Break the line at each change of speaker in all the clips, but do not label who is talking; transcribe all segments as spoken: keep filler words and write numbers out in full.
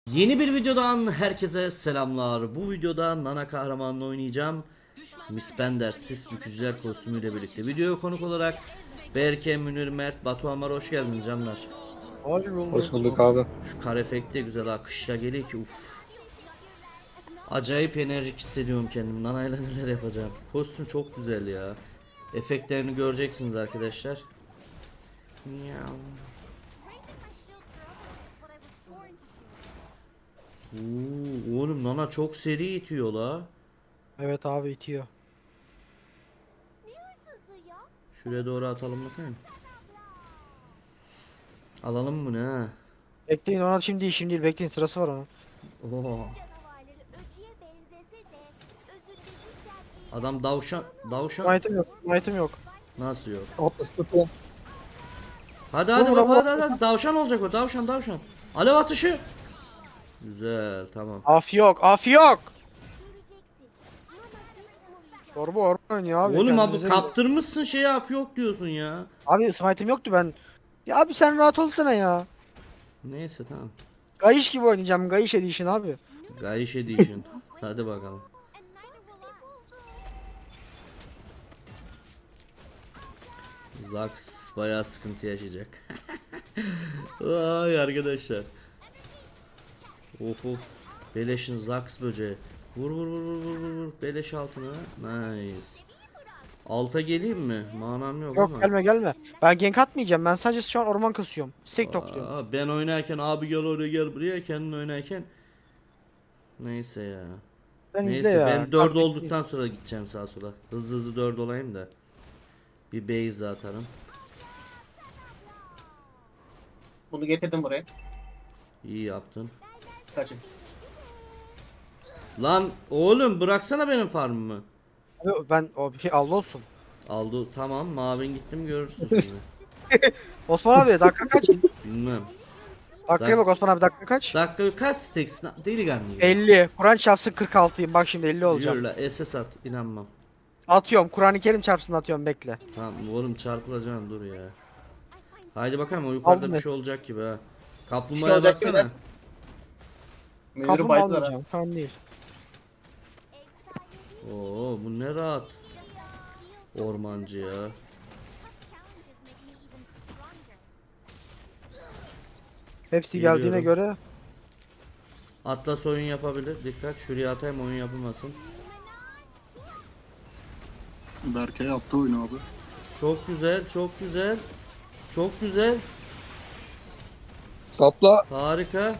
Yeni bir videodan herkese selamlar. Bu videoda Nana kahramanını oynayacağım. Miss Bender sis bükücüler kostümüyle birlikte. Videoya konuk olarak Berke, Münir, Mert, Batuhan var. Hoş geldiniz canlar.
Hoş
Hoş
bulduk.
bulduk abi.
Şu kar efekti de güzel ha. Kışla geliyor ki uf. Acayip enerjik hissediyorum kendimi. Nana ile neler yapacağım. Kostüm çok güzel ya. Efektlerini göreceksiniz arkadaşlar. Miau. Oo, oğlum Nana çok seri itiyor la.
Evet abi itiyor.
Şuraya doğru atalım bakayım. Alalım mı ne?
Bekleyin ona şimdi değil, şimdi değil, bekleyin, sırası var onun.
Oo. Adam davşan davşan
Item yok. Item yok.
nasıl yok?
Atlas tutun.
Hadi hadi
Vur,
baba
vur,
hadi hadi, hadi. Davşan olacak o, davşan davşan. Alev atışı. Güzel, tamam.
Af yok. Af yok. Orba orba oynuyor abi.
Oğlum abi
kendinize gelin.
kaptırmışsın şeyi, af yok diyorsun ya.
Abi smite'im yoktu ben. Ya abi sen rahat olsana ya.
Neyse tamam.
Gayiş gibi oynayacağım. Gayiş Edition abi.
Gayiş Edition. Hadi bakalım. Zax bayağı sıkıntı yaşayacak. Ay arkadaşlar. Of of. Beleşin Zax böceği. Vur vur vur vur vur vur vur. Beleş altına. Nice. Alta geleyim mi? Manam yok,
Yok
ama.
gelme gelme. Ben gank atmayacağım. Ben sadece şu an orman kasıyorum. Sek topluyorum.
Aa, ben oynarken abi gel oraya gel buraya, kendin oynarken. Neyse ya.
Ben izle
Neyse
ya.
ben dört
Kalk,
olduktan sonra gideceğim sağa sola. Hızlı hızlı dört olayım da. Bir base atarım.
Bunu getirdim buraya.
İyi yaptın.
Kaçın.
Lan oğlum bıraksana benim farmımı.
Abi ben o bir şey Allah olsun.
Aldı tamam, mavin gittim görürsün şimdi.
Osman abi dakika kaç?
Bilmem.
Dakikaya bak Osman abi, dakika kaç?
Dakika kaç steksin delikanlı gibi.
elli. Kur'an çarpsın kırk altıyım. Bak şimdi elli olacağım.
Yürü la S S at, inanmam.
Atıyorum. Kur'an-ı Kerim çarpsın atıyorum, bekle.
Tamam oğlum çarpılacaksın, dur ya. Haydi bakalım, o yukarıda
Aldım
bir
ben.
şey olacak gibi ha.
Bir
Kaplumbağaya
şey olacak
baksana.
gibi de. Müdürü
Kaplumbağa
baydılar ha.
almayacağım. Şu an değil.
Oo bu ne rahat. Ormancı ya.
Hepsi
Geliyorum.
geldiğine göre.
Atlas oyun yapabilir. Dikkat, şuraya atayım oyun yapılmasın.
Berke yaptı oyunu abi.
Çok güzel, çok güzel. Çok güzel.
Sapla.
Harika.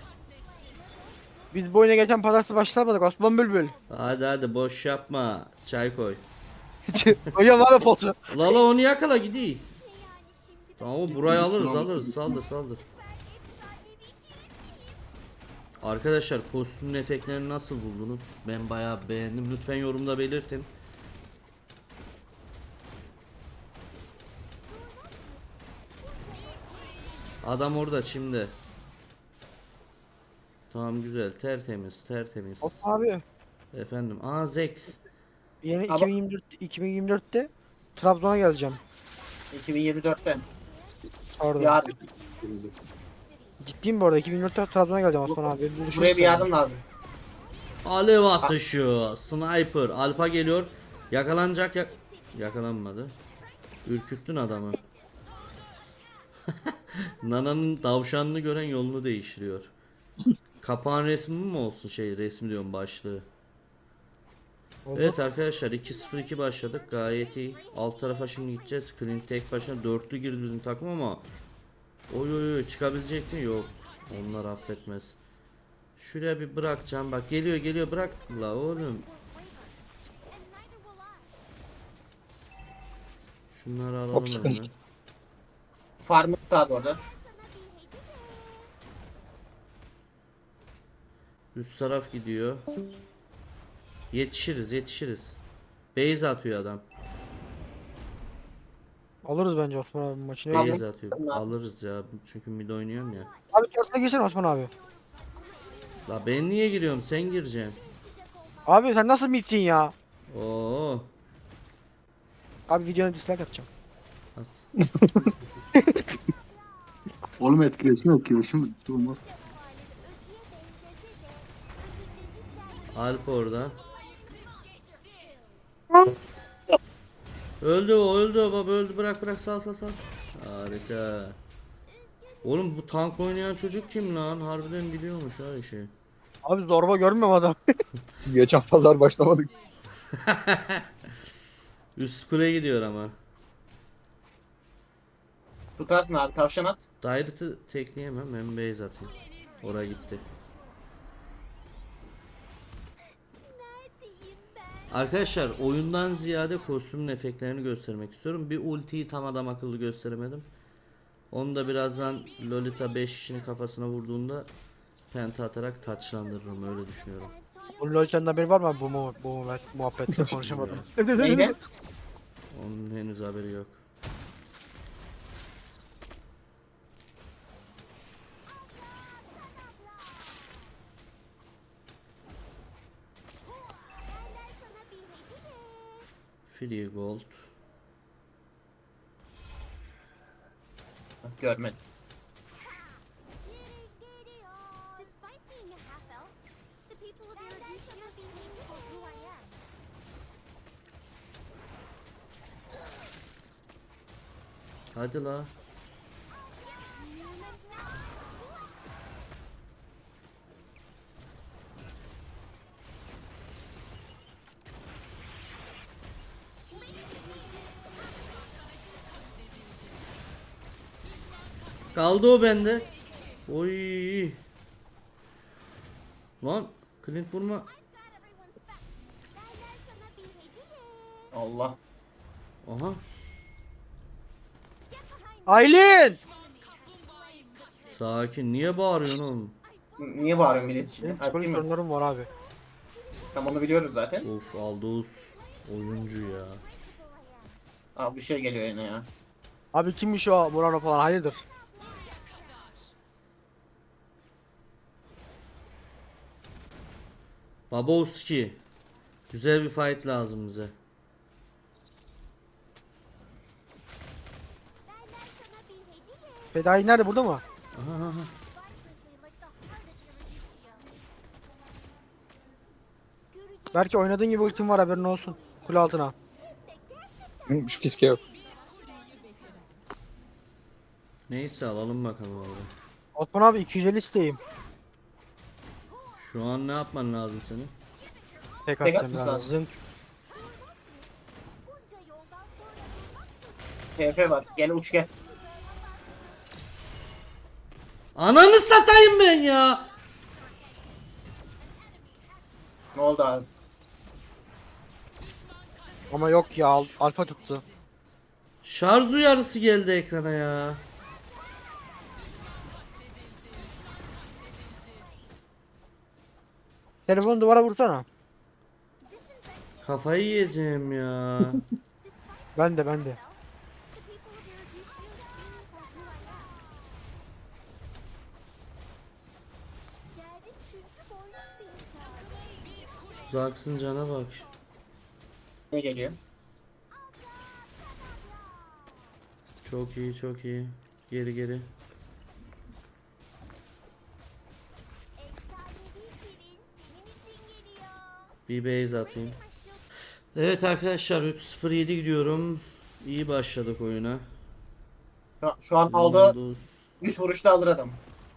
Biz bu oyuna geçen pazartesi başlamadık Osman Bülbül.
Hadi hadi boş yapma. Çay koy.
Hocam abi potu.
Lala onu yakala gideyim. Tamam burayı alırız
Bismillah,
alırız,
bismillah.
saldır saldır. Arkadaşlar kostümün efektlerini nasıl buldunuz? Ben bayağı beğendim. Lütfen yorumda belirtin. Adam orada şimdi. Tamam güzel, tertemiz tertemiz.
Osman abi.
Efendim, aa Zex.
Yeni
Abi-
iki bin yirmi dört iki bin yirmi dörtte Trabzon'a geleceğim.
iki bin yirmi dörtte.
Orada.
Yardım.
Ciddiyim bu arada, iki bin yirmi dörtte Trabzon'a geleceğim Osman abi. Bir düşün
Buraya bir
sen.
yardım lazım.
Alev atışı, sniper, alfa geliyor. Yakalanacak, yak yakalanmadı. Ürküttün adamı. Nana'nın tavşanını gören yolunu değiştiriyor. Kapağın resmi mi olsun, şey resmi diyorum, başlığı.
Oldu.
Evet arkadaşlar, iki sıfır iki başladık, gayet iyi. Alt tarafa şimdi gideceğiz. Clint tek başına dörtlü girdi bizim takım ama oy oy oy, çıkabilecek mi? Yok. Onlar affetmez. Şuraya bir bırakacağım, bak geliyor geliyor, bırak la oğlum. Şunları alalım
Hop,
hemen.
sıkıntı. Farmı sağdı orada.
Üst taraf gidiyor. Yetişiriz yetişiriz. Base atıyor adam.
Alırız bence Osman abi maçını.
Tamam.
Base atıyor. Alırız ya. Çünkü mid oynuyorum ya.
Abi dörtte girsene Osman abi.
La ben niye giriyorum? Sen gireceksin.
Abi sen nasıl mitsin ya?
Oo.
Abi videona dislike atacağım.
Oğlum etkileşim yok ki. Şimdi olmaz.
Alp orada. Öldü o, öldü o baba, öldü, bırak bırak, sal sal sal. Harika. Oğlum bu tank oynayan çocuk kim lan? Harbiden biliyormuş ha işi.
Abi zorba görmüyorum adam.
Geçen pazar başlamadık.
Üst kule gidiyor ama.
Tutarsın abi, tavşan at.
Dairet'ı tekleyemem, hem base atayım. Oraya gitti. Arkadaşlar oyundan ziyade kostümün efektlerini göstermek istiyorum. Bir ultiyi tam adam akıllı gösteremedim. Onu da birazdan Lolita beş kişinin kafasına vurduğunda penta atarak taçlandırırım, öyle düşünüyorum.
Bu LoL'den haberi var mı bu mu bu mu muhabbette konuşamadım.
Neydi?
Onun henüz haberi yok. Free gold.
Görmedim.
Despite being a half elf, the people of Erudicia see me for who I am.
Hadi la. Kaldı o bende. Oy. Lan Clint vurma.
I've got everyone's back. Benden sana bir hediye.
Allah.
Aha.
Get behind me.
Aylin!
Sakin, niye bağırıyorsun oğlum?
N- Niye bağırıyorsun millet için?
Benim
Abi,
psikolojik
değil mi?
sorunlarım var abi.
Tam onu biliyoruz zaten.
Of, Aldous oyuncu ya.
Abi bir şey geliyor yine ya.
Abi kimmiş o Murano falan, hayırdır?
Babowski. Güzel bir fight lazım bize.
Benden sana bir hediye.
Fedai nerede, burada mı?
Aha, aha.
Vibrantly like the heart of Erudicia. Göreceğiz
Belki oynadığın gibi ultim var, haberin olsun. Kule altına.
de gerçekten
Hı, Şu fiske yok.
Neyse, alalım bakalım abi.
Osman abi iki yüz elli isteyeyim.
Şu an ne yapman lazım senin?
Tek
Tek
atacağım
atmış
ya.
lazım.
Zınk.
bunca yoldan sonra durmak
T F var. Gel uç gel.
Ananı satayım ben ya.
Ne oldu abi?
Ama yok ya, al- alfa tuttu.
Şarj uyarısı geldi ekrana ya.
Telefonu duvara vursana.
Kafayı yiyeceğim ya.
Ben de ben de.
the people of Erudicia see me for who I am. Geldim çünkü boynuz bir çağrı.
Zaksın cana bak.
Ne geliyor?
Çok iyi, çok iyi. Geri geri.
Efsanevi pirin senin için geliyor.
Bir base atayım.
Taşıl
Evet arkadaşlar, üç sıfır yedi gidiyorum. İyi başladık oyuna.
Şu, şu an
Ne
aldı.
oldu?
yüz vuruşta alır adam.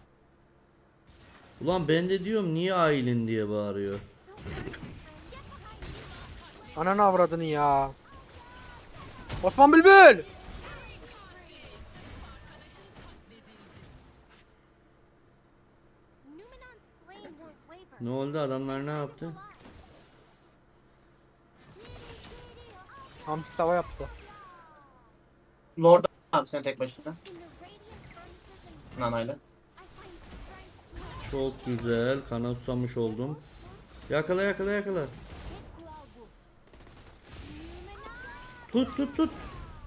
Ulan ben de diyorum niye Aylin diye bağırıyor.
Ananı avradını ya. Osman Bülbül!
Numenon's flame won't waver.
Ne oldu, adamlar ne yaptı?
Hamsi tava yaptı.
Lord abi sen tek başına.
In the radiant furnaces and
Nanayla.
I find strength to
Çok güzel. Kana susamış oldum. Yakala yakala yakala.
get Numenon.
Tut tut tut.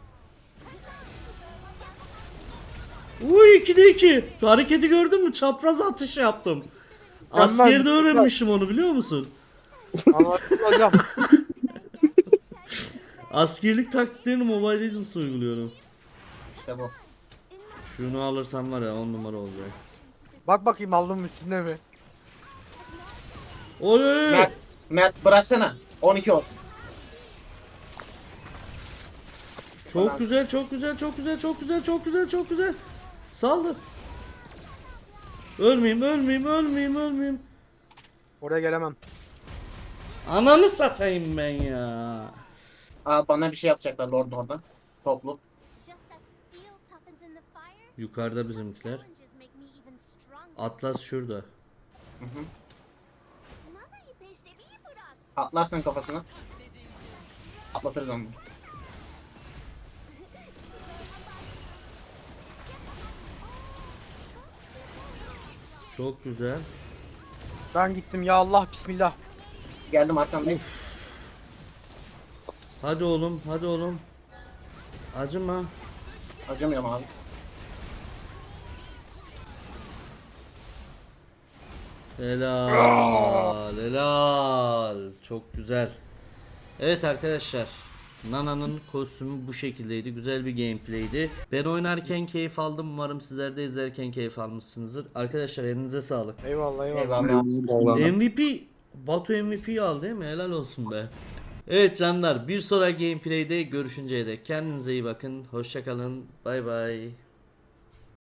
Uy, ikide iki. Şu hareketi gördün mü? Çapraz atış yaptım. Askerde öğrenmişim onu, biliyor musun?
Anlattım hocam.
Askerlik taktiklerini Mobile Legends uyguluyorum.
İşte bu.
Şunu alırsam var ya, on numara olacak.
Bak bakayım aldım üstünde mi?
Oy oy oy.
Mert Mert bıraksana. on iki olsun.
Çok güzel, çok güzel, çok güzel, çok güzel, çok güzel, çok güzel. Saldır. Ölmeyeyim, ölmeyeyim, ölmeyeyim, ölmeyeyim.
Oraya gelemem.
Ananı satayım ben ya.
Aa, bana bir şey yapacaklar Lord orada. Toplu.
Just as steel toughens in the fire,
Yukarıda bizimkiler.
challenges make me even stronger.
Atlas şurada.
Hı hı.
Nana ipeşlemeyi bırak.
Atlarsın kafasına. Atlatırız onu.
Çok güzel.
Ben gittim ya Allah bismillah.
Geldim arkamdayım.
Hadi oğlum, hadi oğlum. Acıma.
Acımıyorum abi.
Helal, helal. Çok güzel. Evet arkadaşlar. Nana'nın kostümü bu şekildeydi. Güzel bir gameplay'di. Ben oynarken keyif aldım. Umarım sizler de izlerken keyif almışsınızdır. Arkadaşlar elinize sağlık.
Eyvallah eyvallah.
Eyvallah.
M V P Batu M V P'yi aldı değil mi? Helal olsun be. Evet canlar, bir sonraki gameplay'de görüşünceye dek kendinize iyi bakın. Hoşça kalın. Bay bay.